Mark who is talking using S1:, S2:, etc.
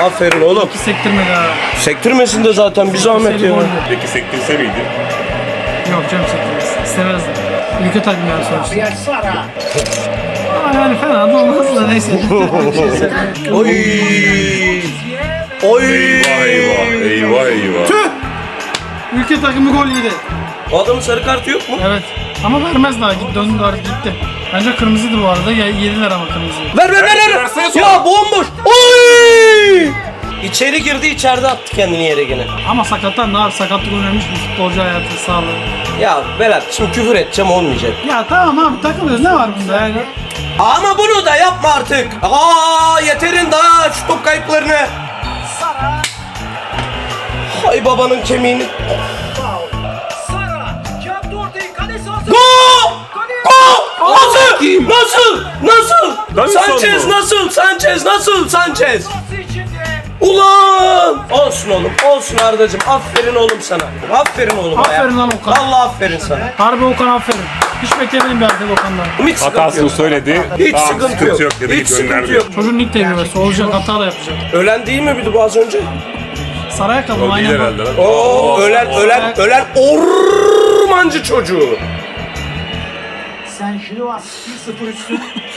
S1: Aferin oğlum.
S2: Sektirmedi ha.
S1: Sektirmesin de zaten bir zahmet ya.
S3: Peki sektirse miydi?
S2: Yok canım sektirmez. İstemezdim. Ülke takımı yani sonuçta. Ama yani fena da olmaz da neyse.
S1: Oy. Oy.
S3: Eyvah.
S2: Tüh! Ülke takımı gol yedi.
S1: O adamın sarı kartı yok mu?
S2: Evet. Ama vermez daha. Döndü artık gitti. Bence kırmızıydı bu arada. Yediler ama kırmızıyı.
S1: Ver. Ya bomboş. Oy. İçeri girdi, içeride attı kendini yere gene.
S2: Ama sakattan ne abi? Sakatlık önemli bir futbolcu hayatı, sağlığı.
S1: Ya Berat şimdi küfür edeceğim olmayacak.
S2: Ya tamam abi takılıyoruz. Ne var bunda yani?
S1: Ama bunu da yapma artık. Yeterin daha şu top kayıplarını. Hay babanın kemiğini. Gol! Nasıl? Sanchez! Ulan! Olsun oğlum, olsun Ardacığım. Aferin oğlum sana. Aferin oğlum.
S2: Aferin lan Okan.
S1: Allah aferin sana.
S2: Harbi Okan aferin. Hiç beklemedim bir artık Okan'dan.
S1: Hiç sıkıntı
S3: Hatasını
S1: yok.
S3: söyledi.
S1: Hiç
S3: Tamam,
S1: sıkıntı yok.
S3: dedi,
S1: Hiç sıkıntı
S3: gönderdi.
S1: yok.
S2: Çocuğun ilk tecrübesi. Olacak, hata da yapacak.
S1: Ölen değil mi bir bu az önce?
S2: Saraya kalın
S3: O değil
S2: aynen.
S3: herhalde lan.
S1: Oo, ölen ormancı çocuğu.
S4: Sen şunu var. 1-0 üstün.